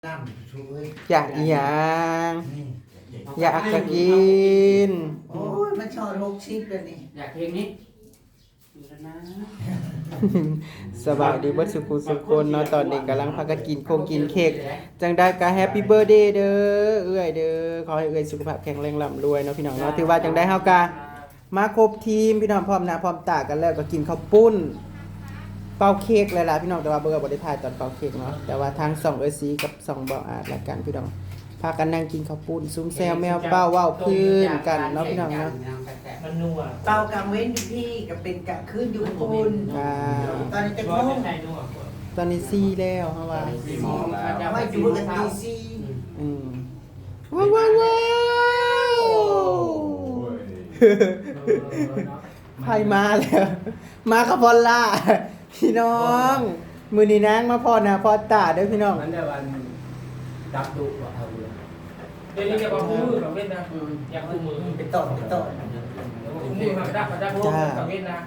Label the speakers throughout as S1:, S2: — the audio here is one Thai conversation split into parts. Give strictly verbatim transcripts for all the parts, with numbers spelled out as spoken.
S1: น้ำช่วย
S2: อยากอีหยัง
S1: นี่
S2: อยากจะกิน
S1: โอ้ยมันชอบหกชิปเลยนี่
S3: อยากเพลงนี้อยู่แล้วนะ
S2: สบายดีเบิดสุขุสุขคนเนาะตอนนี้กำลังพากันกินโคงกินเค้กจังได้ก็แฮปปี้เบิร์เดย์เด้อเอื้อยเด้อขอให้เอื้อยสุขภาพแข็งแรงร่ำรวยเนาะพี่น้องเนาะถือว่าจังได้เฮากะมาครบทีมพี่น้องพร้อมหน้าพร้อมตากันแล้วก็กินข้าวปุ้นเป่าเค้กเลยล่ะพี่น้องแต่ว่าเบอร์บ่ได้ถ่ายตอนเป่าเค้กเนาะแต่ว่าทางสองเอ้ยสีกับสองบ่าวอาจละกันพี่น้องพากันนั่งกินข้าวปุ้นซุ้มแซวแมวเป้าเว้าพื้นกันเนาะพี่น้องเนาะ
S3: มันนัว
S1: เป่ากลางเว้นอยู่พี่กับเป็นกลางคืนอยู่คุณ
S2: อ่า
S1: ตอนนี้จะ
S3: ร้อ
S1: พุ่
S3: น
S1: ง
S3: ในนัว
S2: ตอนนี้ซี่แล้วเฮาว่า
S3: สี่โมงแล้ว
S1: ไม่อยู่กันดีซี
S2: อืมว้าวว้าวว้าวไพ่มาแล้ว มาคาพอลล่า พี่น้อง มือนี้นางมาพอนะพอตาเด้อพี่น้อง
S3: มันได้วันดับดุว่าเอาเรือเดี๋ยวนี้จะมาคู่มือกับเว้นนะอยากคู่มือ
S1: ไปต่อไปต่อ
S3: คู่มือกับดับกับดับกับเว้นนะ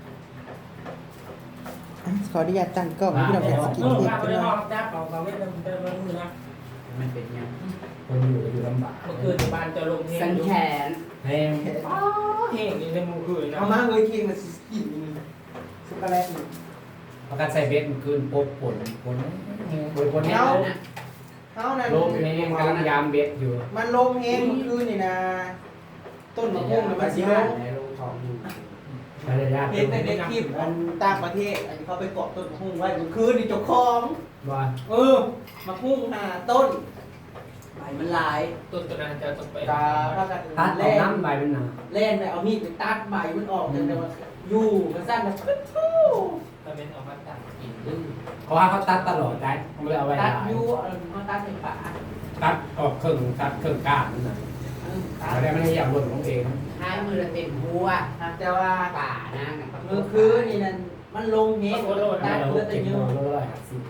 S2: ขออนุญาตตั้งกล้องพี่น้องอยากสกิน
S3: เออ
S2: เค้ก
S3: มาไป
S2: พี่
S3: ได้
S2: น้
S3: ห้
S2: อ
S3: อง งดับเอากับเว้นนะมันเป็นมือนะ
S4: มันเป็นยังคนอยู่ก็อยู่ลำบาก
S3: เมื่อคืนบ้านจะลงเฮง
S4: สันแขนแพง
S3: เฮงนี่ในมือคืนนะ
S2: เอามาเลยเค้กมาสิกินช็อกโกแลตนี่
S4: ประกันใส่เบ็ดมันคืนปบผลผลผลผลเนี้ย
S2: เฮานั่น
S4: ลมนี่กำลังยามเบ็ดอยู่
S2: มันลมเองเมื่อคืนนี่นะ ต้นมะม่วงน่ะมันสิลง
S4: ในโรงทองอยู่ภรรยา
S2: เห็นแต่ในคลิปอันต่างประเทศอันนี้เขาไปเกาะต้นมะม่วงไว้เมื่อคืนนี่เจ้าของ
S4: ว่า
S2: เออมะม่วงหาต้นใบมันหลาย
S3: ต้นตัวนั้นจะต้องไป
S2: ตาพากัน
S4: ตัดออ
S2: เล่
S4: ก
S2: น
S4: น้ำใบเป็นหนา
S2: เล่นไปเอามีดไปตัดใบมันออกจนแต่ว่าอยู่มันสั้นแบบปึ๊ดทู่
S3: ตะเวนออกมาต่างกินดื้อ
S4: เพราะว่าเขาตัดตลอดได้เขาไม่ได้เอาไว้
S2: ตัด
S4: ได้
S2: อยู่เออเขาตัดเป็นป่า
S4: ตัดออกครึ่งตัดครึ่งก้านนั่นน่ะ
S2: เออตัด
S4: เขาได้ไม่ได้อยากหล่นลงเอง
S5: ท้ายมือละเต็มหัว
S2: แต่ว่า
S5: ป่านะนะ
S2: เมื่อคืนนี่นั่นมันลงเงี้ยตัด
S4: เรา
S2: เลือดแต่
S4: เก็บ
S2: เย
S4: โล
S2: อะ
S4: ละร้อยห้าสิบ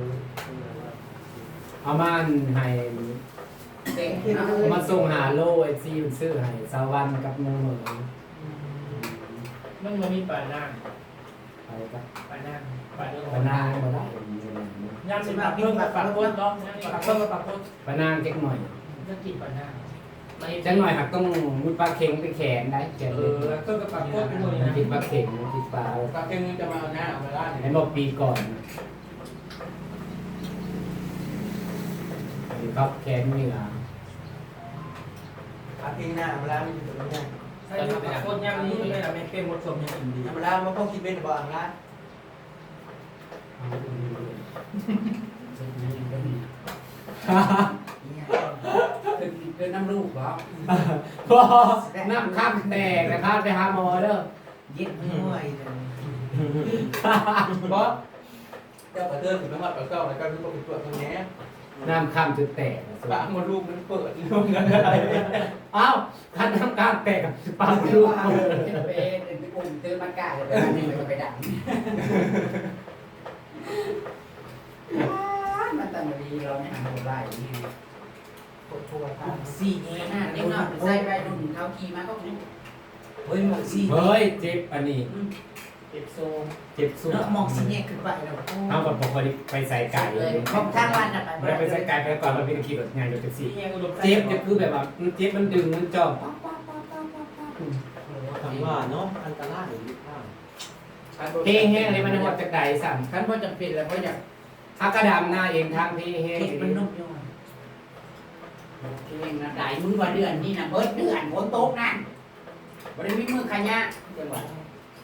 S4: เอามาให้
S5: เต็ม
S4: เอามาส่งหาโลไอซีมันซื้อให้สาวันกับมือเหมือน
S3: มันมันมีป่านั่ง
S4: ไปกับ
S3: ป่านั่งป่าเรื่อง
S4: ปานางมาได้
S3: ยามสิบปากเพิ่มกับปากพ้นเนาะปากเพิ่มกับปากพ้น
S4: ปานางเจ๊กหน่อย
S3: เรื่องกินป่านั่ง
S4: เจ๊กหน่อยหักต้องมุดปลาเค็งไปแขนได้แขน
S3: เอ
S4: เลย
S3: อเพิ่มกับปากพ้นเป็นหน่วย
S4: มัน
S3: นะ
S4: ติดปลาเค็งมันติดปลา
S3: ปากเพิ่งจะมาเอาหน้าเอาเวลา
S4: ไอ้บอกปีก่อนครับแขนเหนือ
S2: อาทิตย์หน้าเวลามันอยู่ตรงนี้
S3: ใช่ปากพ้นย่างนี้ไม่ละไม่เป็นหมดสมยังดี
S2: เวลามันพวกคิดเป็นบ่อ่างละ
S5: คือคือน้ำลูกเหรอ
S4: พอน้ำข้ามแตกนะครับไปหาหมอเด้อ
S1: เย็ดห่วยเลย
S2: เพราะเจ้ากระเทือนถึงไม่หอดกระเจ้าแล้วก็รู้ว่าเป็นตัวตรงนี้
S4: น้ำข้ามจุดแตก
S2: ปากมดลูกมันเปิดลงกันอะไร
S4: อ้าวคันน้ำข้ามแตกกับปากลูก
S5: เป็นเป็นกลุ่มตื้อมันกล้าเลยนี่มันไปดังมันตั้งดีเราไม่ทำอะไรนี่
S2: ปวดหัวตา
S5: สี่เงี้ยนะเด็กน้อยใส่ไปรุ่นเขาขี่มาก็
S1: เฮ้ยหมอกซี
S4: เฮ้ยเจ็บอันนี้
S3: เก็บโซม
S4: เจ็บสุด
S1: เนาะหมอกซีเนี่ยขึ้นไปแล้ว
S4: เอาแบบปกติไปใส่ไก่เลย
S1: ของทางร้านน่ะ
S4: ไม่ได้ไปใส่ไก่ไปก่อนเราเป็นขี่รถงานอยู่แท็กซี่
S3: ที่ยังอุดม
S4: เจ็บจะคือแบบว่ามันเจ็บมันดึงมันจ่อ
S2: ถามว่าเนาะอันตรายหรือเปล่า
S4: เฮ้แห้งเลยมันหดจากไก่สั่น
S5: ขั้นพอจำเป็นแล้วเพราะอยาก
S4: ถ้ากระดามหน้าเองทางเฮ้แห้ง
S1: เห็ดมันนุ่มอยู่
S5: เองนะได้มือว่าเดือนนี่นะเบิดเดือนฝนตกนั่นบริมีมือขยะเดือนวัน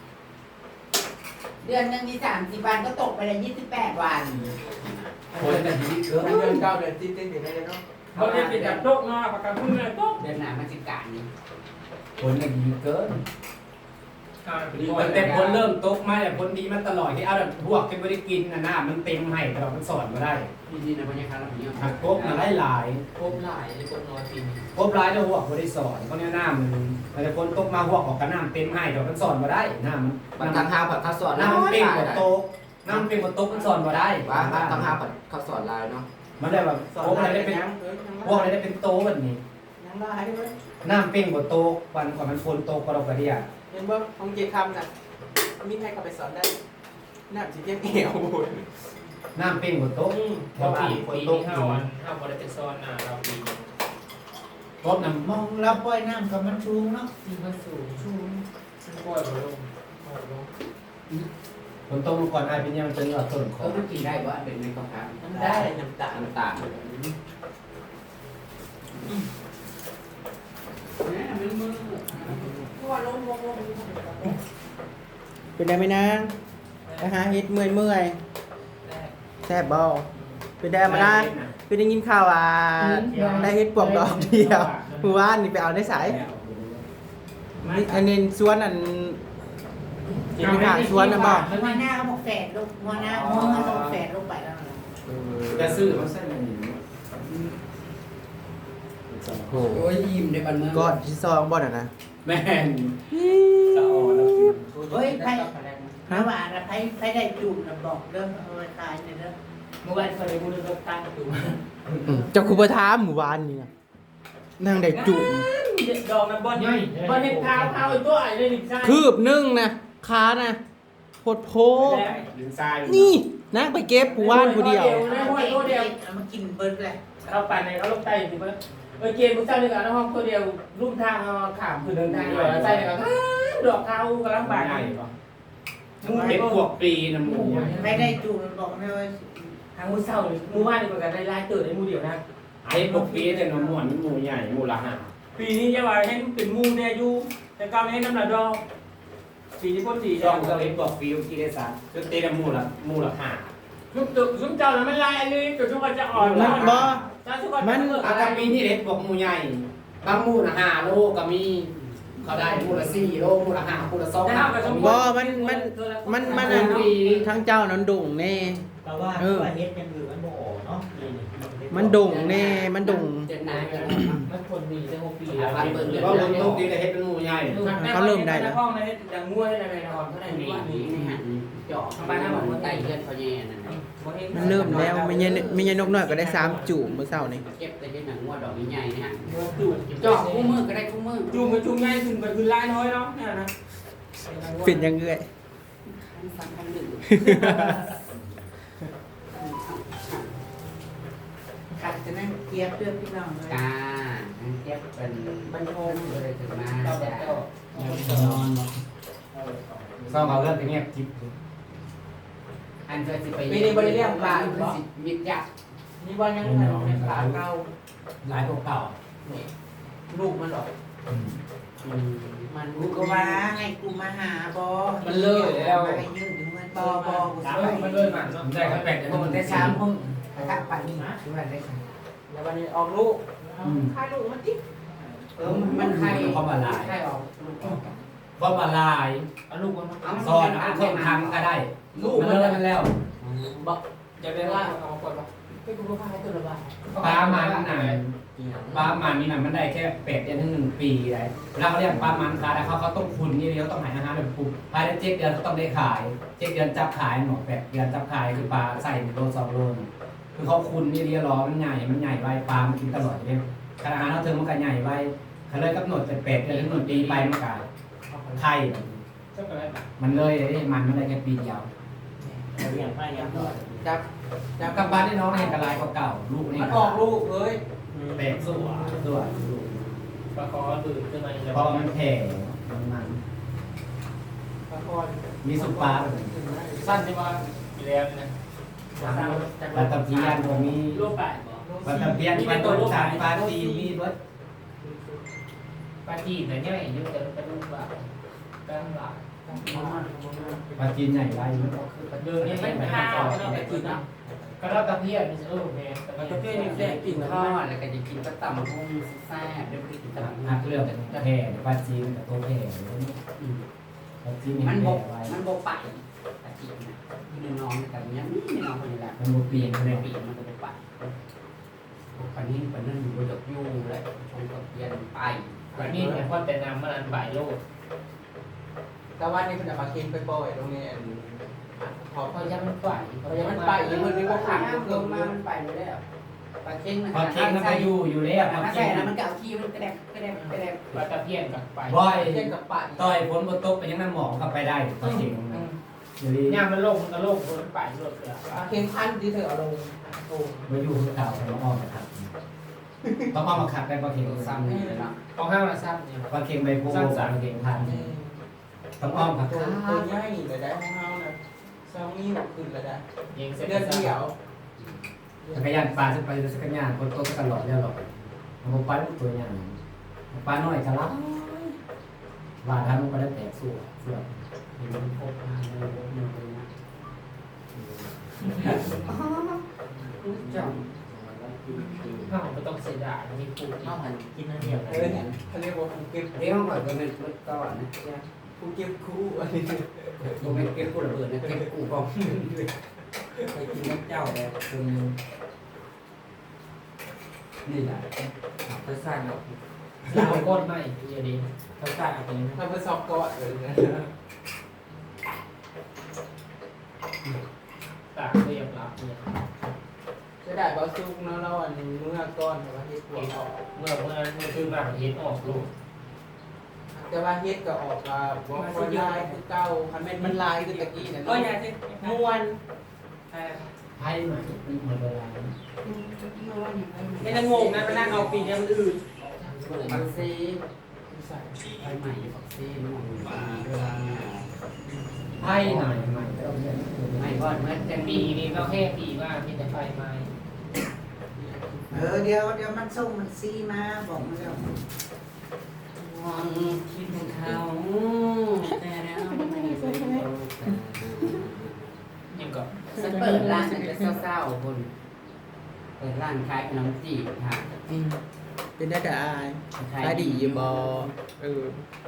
S5: เดือนหนึ่งมีสามสิบวันก็ตกไปเลยยี่สิบแปดวัน
S4: คนจะดีเกิน
S2: เดือนเก้าเดือนที่เต้นอยู่ในเนาะ
S3: เขาเรียกเป็นแบบโต๊ะงาปากกาพึ่งเลยโต๊ะ
S5: เดือนหน้ามันสิการนี่
S4: คนจะดีเกินตั้งแต่คนเริ่มตกมาแต่คนดีมาตลอดที่เอาแบบพวกที่ไม่ได้กินนะหน้ามันเต็มให้แต่เรามันสอนมาได้
S5: นี่นี่นะบรรยากาศแบบนี้
S4: หักกบมาได้หลาย
S3: โคมหลายโคมน้อยปีน
S4: กบร้ายแล้วหัวไม่ได้สอนเพราะเนี่ยหน้ามันแต่คนตกมาหัวออกกับน้ำเต็มให้แต่มันสอนมาได้หน้ามัน
S5: บางทางห้าผัดข้าวสอน
S4: น้ำมันเป่งกว่าโต๊ะน้ำมันเป่งกว่าโต๊ะมันสอนมาได้
S5: ว่าทางห้าผัดข้าวสอนลายเนาะ
S4: มันได้แบบพวกอะไรได้เป็นพวกอะไรได้เป็นโต๊ะแบบนี้
S2: ยังลายได้ไหม
S4: น้ำเป่งกว่าโต๊ะวันกว่ามันฝนตกกว่าเรากระเดีย
S2: เห็นบ่ของเจคำน่ะมีใครเข้าไปสอนได้น้ำสิเจ็บเอว
S4: น้ำเป็นหัวโต๊ะ
S3: เราปีปีที่ห้าวันห้าวันได้เป็นซ้อนอ่ะเราปี
S4: โต๊ะน้
S1: มองรับปล่อยน้ำกับมันสูงเนาะ
S3: ที่มันสูงสูงซึ่งปล่อยมาลงปล่อยลง
S4: ำฝนตกก่อนอายเป็นยังมันเป็นว่าต้นข
S5: เอ
S4: อ
S5: อง มันกินได้ว่าเป็นในกระเพาะ
S3: มันได้น้ำตาล
S5: น้ำตาลเนี่ยมันมือเพราะว่าลงลงลง
S2: เป็นได้ไหมนางไปหาเฮ็ดเมื่อยเมื่อยแซ่บบ่เป็นได้มาได้เป็นได้ยินข่าวว่าได้เฮ็ดปวกดอกเดียวเมื่อวานนี่ไปเอาได้สายนี่อันนี้สวนอันที่ไปหาสวนน่ะบ่
S1: หัวหน้าเขาบอกแฝดลูกหัวหน้าหัวมันต้องแฝดลงไปแล้วนะ
S4: จะซื้อมาใส่ในนี้
S2: โอ้
S5: โอ้ยยิ้มในบันเมือง
S2: ก้อนที่ซองบ่น่ะนะ
S4: แม่น
S3: สะอ่อนแล้วกิน
S1: เฮ้ยไพ่ถ้าว่าไพ่ไพ่ได้จูบนะบอกเรื่องเอาไปขายเนี่ยเด้อ
S3: เมื่อวานเคยพูดเรื่องตั้งอยู่
S2: อืมเจ้าคือบ่ถามหมู่บ้านนี่นะนางได้จุ่ม
S3: ดอกน้ำบอลใหญ่บอลเห็นเท้าเท้าตัวไอ้เลยดิใช่
S2: คืบหนึงนะขานะโพดโพ
S4: ดินทราย
S2: นี่นางไปเก็บผู้ว่านผู้เดียว
S1: เอามากินเดียวเอามากินเบิร์ดเลย
S3: เราปั่นในเขาลงใต้จริงปะเออเกมมึงเจ้าหนึ่งอ่ะน้องห้องตัวเดียวรุ่มทางเอาขามคือเดินทางอยู่แล้วใช่เลยครับดอกเท้ากำลังบาด
S4: ใหญ่ปะมูเห็ดพวกปีนะหมู
S1: ไม่ได้จูบมันบอกเลยว่า
S3: ทางมือเศร้าเลยมือว่านนี่เหมือนกันได้ลายเติร์ดในมือเดียวนะ
S4: ไอ้พวกปีแต่น้ำมันหมูใหญ่หมูละห้า
S3: ปีนี้จะว่าให้เป็นมูเนี่ยอยู่แต่กาวให้น้ำหนักดอกปีนี้พ่นสี
S4: ช่องก็เลยบอกปีกี่ได้สักก็เตะหมูละหมูละห้า
S3: ยุบตึกยุบเจ้าแล้วมันลายเลยจุดทุกคนจะอ่อน
S2: มันบ่
S3: จ้าทุกคน
S4: อาการปีที่เล็กบอกหมูใหญ่บางหมูละห้าโลก็มีเขาได้หมูละสี่โลหมูละห้าหมูละสองห้า
S2: บ่มันมันมันมันอันทั้งเจ้านั้นดุ่งแน่
S1: แต่ว่าว่าเฮ็ดยังอยู่มันโมโหเนาะ
S2: มันดุ่งแน่มันดุ่ง
S5: เจ็ดนายกัน
S3: มันคนมีได้หกปี
S4: ว่าบนโลกนี้ได้เฮ็ดเป็นหมูใหญ่
S3: เขาเริ่มได้แล้วห้องในดังงัวในในนอนเท่าไหร่
S5: นี่
S3: นี่
S5: นี่นี่ฮะเจาะเข้าไปหน้ามันไต่เลือดเขาแย่นั่น
S2: มันเริ่มแล้วไม่ใช่ไม่ใช่นกน้อยก็ได้สามจุ่มเมื่อเช้านี่
S5: เก็บแต่เห็นหนังงัวดอกใหญ่ๆนะฮะ
S3: จูบ
S5: เจาะคู่มือก็ได้คู่มือ
S3: จูบไปจูบง่ายขึ้นไปคือลายน้อยเนาะเนี่ยนะ
S2: เป็นยังเงย
S5: ฟังคำหนึ่ง
S1: ขัดจะนั่งเกียบเพื่อนพี่น้องเลย
S5: กาเก็บเป็นบรรทมเลยถึงมา
S3: เจ้า
S5: จะ
S3: เจ้า
S4: ซ่อมเอาเรื่องไปเงียบจิบ
S5: อันเคยสิไปมิดยักษ์
S3: นี่ว่ายังไงขาเก่า
S4: หลายพวกเก่า
S3: ลูกมันหรอ
S5: มัน
S1: กูก็ว่าให้กูมาหาบอให้ยืนถึงมันบอบอกู
S3: มันเลยมันเนาะ
S4: ได้ก็แปดเดือนมัน
S1: ได้
S4: ได้
S1: สา
S4: สาม ม
S1: มึงกลับไปนี่ดูอะไรได้ค่ะ
S3: แล้ววันนี้ออกลูก
S1: ค่าลูกมันติ๊ก
S5: เออมันใคร
S4: เขามาลาย
S5: ใครออก
S4: เขามาลาย
S3: เอาลูกมัน
S4: ซ่อนเอาเครื่องทำก็ได้ลูกมันเลยมันแล้ว
S3: บอกจะได้ว่าเอาก่อนบอกให้กูรู้ค่าให้ตัวละบาท
S4: ปลามันน่ะปลามันนี่น่ะมันได้แค่แปดเดือนถึงหนึ่งปีเลยแล้วเขาเรียกปลามันคาได้เขาเขาต้องคุณนี่เดียวต้องหายอาหารแบบปุ๊บภายในเจ็ดเดือนเขาต้องได้ขายเจ็ดเดือนจับขายหมอแปดเดือนจับขายคือปลาใส่โลสองโลคือเขาคุณนี่เดียวรอมันใหญ่มันใหญ่ไว้ปลามันกินตลอดเลยขนาดนั้นเขาเธอมันก็ใหญ่ไว้เขาเลยกำหนดแต่แปดเดือนถึงหนึ่งปีไปมันก็ไข่
S3: เจ้าอะไร
S4: มันเลยมันมันได้แค่ปีเดียว
S3: เรียนไปยังต่อ
S4: จับจับกลับบ้านได้น้องเห็นกระไรเก่าลูกนี่
S3: มันออกลูกเอ้ย
S4: แปลกสวยสวย
S3: ปลาคอตื่นขึ้นมา
S4: เพราะมันแผ่มันมัน
S3: ปลาคอ
S4: มีสุปลา
S3: สั้นใช่ไหมมีแล้วนะ
S4: ปลาตะเพียนผมมี
S3: ลูกไป
S4: ปลาตะเพียนปลาตัวสามปลาตีมีรถ
S3: ปลาจีนเนี่ยเนี่ยเยอะแต่เป็นลูกแบบกลางหลัก
S4: ปลาจีนใหญ่ไร
S3: เดินนี่ไม่ข้าวเราไปกินนะก็รับตะเพียนนี่เออแม่แต่ตะเพียนนี่แซ่บกิน
S5: ท
S3: ข้า
S5: อ
S3: ว
S5: ดแล้วก็จะกินก็ตำหุ้งแซ่บเดี๋ยวไปกินตำ
S4: หักเลือกแผ่ปลาจีนกับตัวแผ่ปลาจีน
S5: มัน
S4: แผ่
S5: บก
S4: ไว้
S5: มันบกไปตะกี้นะนี่น้องแต่ยังนี่น้องคนนี้แหละ
S4: มันบุเปลี่ยน
S5: มัน
S4: เลย
S5: ปีมันก็บกไปปันนี้ปันนั้นอยู่บนดอกยูเลยชงกับเย็นไป
S3: วันนี้เนี่ยพ่อแต่นำมันบ่ายโลด
S2: แต่ว่านี่คุณจะมากินไปปล่อยตรงนี้
S3: ขอเขายังมันฝ่ายเขายัง
S5: มั
S3: มัน น
S5: ไป
S3: ไป
S5: อยู่มันมีว่าขังเพิ่มมามันไปเลยแล้วปลาเค็ง
S4: ปลาเค็งมันก็อยู่อยู่แล้วปลา
S5: ถ้า
S4: เค็
S5: ใส่
S4: ง
S5: แล้วมันเก่าที่มันกระแดกกระแดกกระแดก
S3: ปลาตะเพียนกับไป
S4: บ่อย
S2: เช่นกับปะ
S4: ต่อยฝนบนโต๊ะไปยังน้ำหมองก็ไปได้ปลาเค็งเดี๋ยวนี้
S3: เนี่ยมันโลกมันก็โลกมันไปโลกเลย
S2: เข็มพันที่เธอเอาลงโอ้
S4: มาอยู่เก่าต้องอ้อมมาขัดต้องอ้อมมาขัดได้ปลาเค็งซ้ำนี่เลยเนาะ
S3: ของห้างละซ้ำเนี่ย
S4: ปลาเค็งใบโพปลาเค็งพันต้องอ้อมขัด
S2: ตัวตัวใหญ่เลยได้ของเฮาน่ะสองนิ้วขึ้นแล้วได้
S3: ยิงเสร็จ
S2: เดือนเดียว
S4: จักรยานปลาจะไปจักรยานคนโตจะกันหลอดแล้วหรอกมันปลาตัวใหญ่ปลาน้อยจะรับว่าทำมันก็ได้แต่สู้เสื้อมันพบมาในรถมันเป็นนะ
S3: จังห้างไม่ต้องเสียดายมีปู
S5: เอาหันกินนั่นเดียว
S2: เออเขาเรียกว่าภูเก็บ
S5: เดี๋ยวก่อนก็เป็นก่อนนะ
S2: ภูเก็บคู่อันนี้
S5: บ่แม่นเก็บกูระเบิดนะเก็บกูกองไปกินน้ำเจ้าแล้วจนนี่แหละไปสร้างเรา
S3: ลาวก้นไม่เยอะดี
S5: ไปสร้างเอาไปนี่
S2: ทำเป็นซอกก่อนเลยนะ
S3: ตากเรียบรับเนี่ย
S2: จะได้บาซุกเนาะเราอันนี้เมื่อก้อนแต่ว่าเฮ็ดปวดออก
S3: เมื่อเมื่อเมื่อคือมาเห็นออกลูก
S2: แต่ว่าเฮ็ดก็ออกมาบ่ค่อยลายคือเก่าคันแม่นมันลายคือตะกี้น่ะ
S5: ก็
S2: เนาะ
S5: อย่าสิ
S2: ม่วน
S4: ไพ่มาหมดเวลา
S5: ไม่ต้องงงนะไปนั่งเอาปีนี้มันอื่นปักซีไปใหม่ปักซีมันเวลา
S4: ไพ่หน่อยใหม่ต้องเรียน
S5: ไม่ก่อนเมื่อ
S3: แต่
S5: จะ
S3: ปี
S5: ปี
S3: นี้ก็แค่ปีว่ามีแต่ไฟไหม้
S1: เออเดี๋ยวเดี๋ยวมันส่งมันซีมาบอกมาแล้ว
S5: มองคิดถึงเขาแต่แล้วไม่ได้ไป
S3: ยังก็
S5: ฉันเปิดร้านแต่เศร้าๆคนเปิดร้านขายขนมจีบค่ะ
S2: อืมเป็นได้แต่อายขายดีอยู่บ่เออ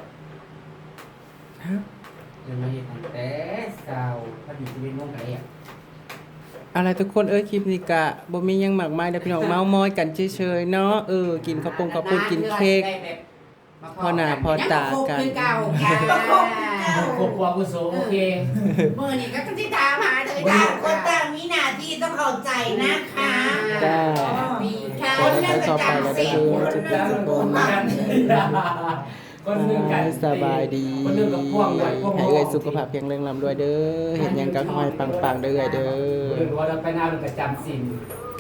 S2: ฮะ
S5: เดี๋ยวมาเห็นตั้งแต่เศร้าพอดีจะเป็นวงไก่อ่ะ
S2: อะไรทุกคนเอ้ยคลิปนี้กะบ่มีหยังมากมายเด้อพี่น้องเมามอยกันเฉยๆเนาะเออกินข้าวปงข้าวปุ้นกินเค้ก พอหน้าพอตากัน
S5: ยังก็คบคือเก่าค่ะ
S3: ครอบครัวกุศลโอเค
S5: เมื่อนี้ก็ที่ตามหาเลย
S1: ต่างคนต่างมีหน้าที่ต้องเข้าใจนะคะ
S2: จ้า
S5: ปีค่ะ
S1: คนหนึงก็จำศีลคนหนึงก็บ่มา
S3: คนหนึ่งกัน
S2: สบายดี
S3: คนหนึ่งกับพวงไว้พวง
S2: ให้เอ้ยสุขภาพแข็งแรงร่ำรวยเด้อเห็นหยังก็ขอให้ปังๆเด้อเอ้ยเด้อ
S4: หรือว่าเราไปหน้าเราประจำสิน
S2: อ